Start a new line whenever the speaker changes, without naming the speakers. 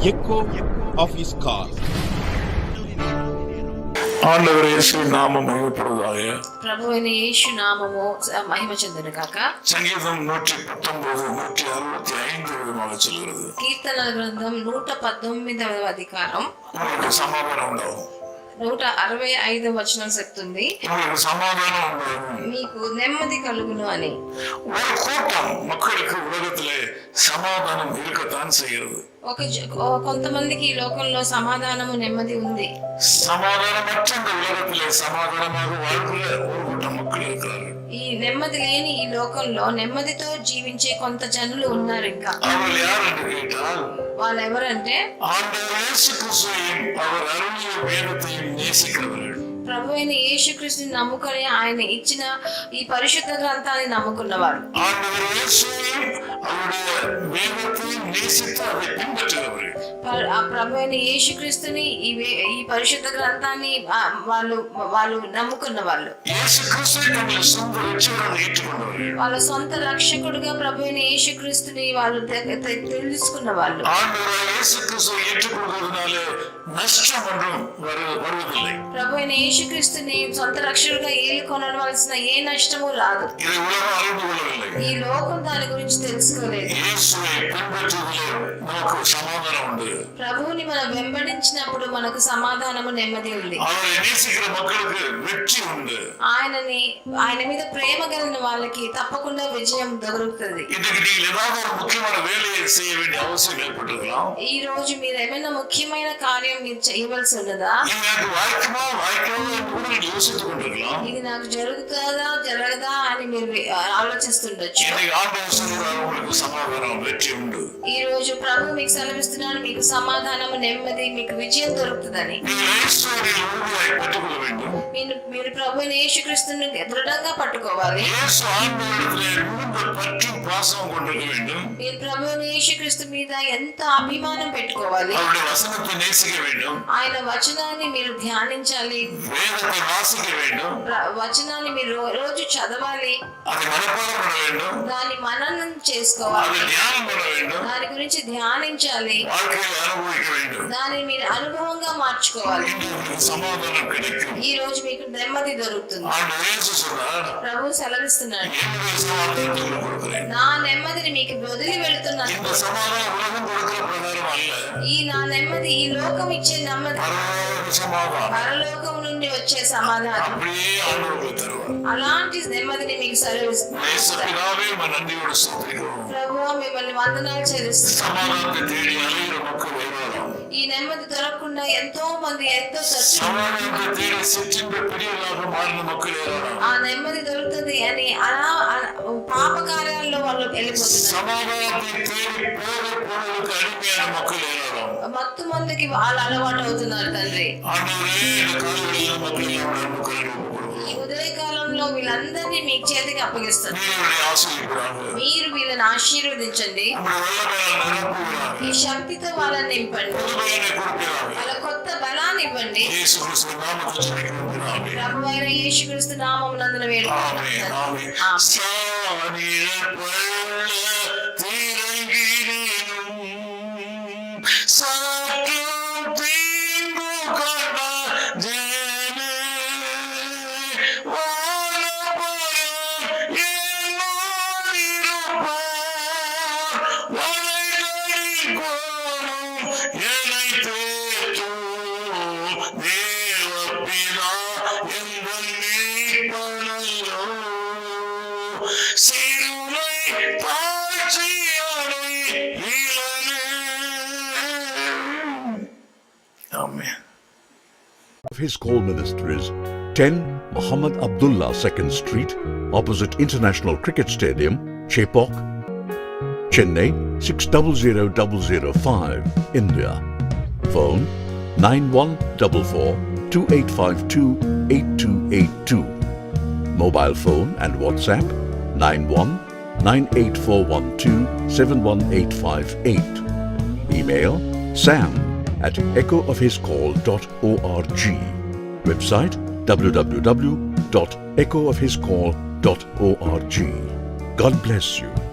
echo of his call.
ఆండవర్ యేసు నామము మహిమపడుగాక.
ప్రభువైన యేసు నామము మహిమ చెందును గాక.
సంగీతం 119 165 சொல்கிறது.
కీర్తనల గ్రంథం 119వ అధికారం
సమాధానం ఉండవు.
165వ వచనం చెప్తుంది,
సమాధానం
మీకు నెమ్మది కలుగును అని.
ஒரு கூட்டம் மக்களுக்கு உலகத்திலே சமாதானம் இருக்கத்தான் செய்கிறது.
కొంతమందికి ఈ లోకంలో సమాధానము నెమ్మది ఉంది.
సమాధానమற்ற இந்த உலகத்திலே సమాధానமாக வாழ்கிற ஒரு கூட்டம் மக்கள் இருக்கிறார்கள்.
ఈ నెమ్మది లేని ఈ లోకంలో నెమ్మదితో జీవించే కొంత జనులు ఉన్నారు. ఇంకా
அவர்கள் யார் என்று கேட்டால்
వాళ్ళు ఎవరంటే
ஆண்டவர் இயேசு கிறிஸ்துவையும் அவர் அருளிய வேதத்தையும் நேசிக்கிறவர்கள்.
ప్రభువైన యేసుక్రీస్తుని నమ్ముకొని ఆయన ఇచ్చిన ఈ పరిశుద్ధ గ్రంథాన్ని నమ్ముకున్నవారు.
ஆண்டவர் இயேசுவையும் அவருடைய வேதத்தையும் நேசித்து அதை பின்பற்றுகிறவர்கள்.
ప్రభువైన యేసుక్రీస్తుని ఈ పరిశుద్ధ గ్రంథాన్ని వాళ్ళు నమ్ముకున్న వాళ్ళు.
యేసుక్రీస్తుని తమ సొంత రక్షకుడిగా ఏற்றுకున్నవారు.
వాళ్ళ సొంత రక్షకుడిగా ప్రభువైన యేసుక్రీస్తుని వాళ్ళు తెలుసుకున్న వాళ్ళు.
ஆண்டவர் இயேசுக்రీస్తుவை ஏற்றுக்கொள்வதனால நஷ்டம் ஒன்றும் வருவதில்லை.
ప్రభువైన యేసుక్రీస్తుని సొంత రక్షకుడిగా ఏలుకొనవలసిన ఏ నష్టము రాదు.
ఇది ఉలగం அறிந்து கொள்ளவில்லை.
ఈ లోకం దాని గురించి తెలుసుకోలేదు.
యేసుவை பின்பற்றுவதிலே நமக்கு సమాధానం ఉంది.
ప్రభువుని మనం వెంబడించినప్పుడు మనకు సమాధానము నెమ్మది ఉంది.
அவரை நேசிக்கிற மக்களுக்கு வெற்றி உண்டு.
ఆయన మీద ప్రేమ కలిగిన వాళ్ళకి తప్పకుండా విజయం దొరుకుతుంది.
இன்னைக்கு நீங்கள் ஏதாவது ஒரு முக்கியமான வேலையை செய்ய வேண்டிய அவசியம் ஏற்பட்டிருக்கலாம்.
ఈ రోజు మీరు ఏమైనా ముఖ్యమైన కార్యం మీరు చేయవలసి ఉన్నదా?
எனக்கு வாய்க்குமா கூட யோசித்துக் கொண்டிருக்கலாம்.
ఇది నాకు జరుగుతుందా జరగదా అని మీరు ఆలోచిస్తుండొచ్చు.
உங்களுக்கு సమాధానం వెற்றி ఉండు.
ఈ రోజు ప్రభు మీకు సెలవిస్తున్నాడు, మీకు సమాధానము నెమ్మది మీకు విజయం దొరుకుతుందని. మీరు ప్రభు యేసుక్రీస్తుని దృఢంగా పట్టుకోవాలి. మీరు ప్రభు యేసుక్రీస్తు మీద ఎంత అభిమానం పెట్టుకోవాలి. ఆయన వచనాన్ని మీరు ధ్యానించాలి. వచనాన్ని మీరు రోజు చదవాలి. దాని మననం చేసుకోవాలి. దాని గురించి ధ్యానించాలి. దాన్ని మీరు అనుభవంగా మార్చుకోవాలి. ఈ రోజు మీకు నెమ్మది దొరుకుతుంది. ప్రభు సెలవిస్తున్నాడు, నా నెమ్మదిని మీకు వదిలి వెళుతున్నాను. ఈ నా నెమ్మది ఈ లోకం ఇచ్చే నెమ్మది, పరలోకం నుండి వచ్చే సమాధానం, అలాంటి నెమ్మదిని మీకు సెలవిస్తున్నాను. ప్రభువా మిమ్మల్ని వందనాలు చెల్లిస్తున్నాను. ఈ నెమ్మది దొరకకుండా ఎంతో మంది ఆ నెమ్మది దొరుకుతుంది అని అలా పాప కార్యాల్లో వాళ్ళు వెళ్ళిపోతున్నారు. మత్తు మందికి వాళ్ళు అలవాటు అవుతున్నారు. తండ్రి, ఈ ఉదయకాలంలో వీళ్ళందరినీ మీ చేతికి అప్పగిస్తారు. మీరు వీళ్ళని ఆశీర్వదించండి. ఈ శక్తితో వాళ్ళని నింపండి. వాళ్ళ కొత్త బలాన్ని ఇవ్వండి. ప్రభువైన యేసుక్రీస్తు నామమునందున వేడుకుంటున్నాను.
His Call Ministries, 10 Muhammad Abdullah 2nd Street, opposite International Cricket Stadium, Chepauk, Chennai 600005, India. Phone 914428528282. Mobile phone and WhatsApp 919841271858. Email sam@echoofhiscall.org. Website www.echoofhiscall.org. God bless you.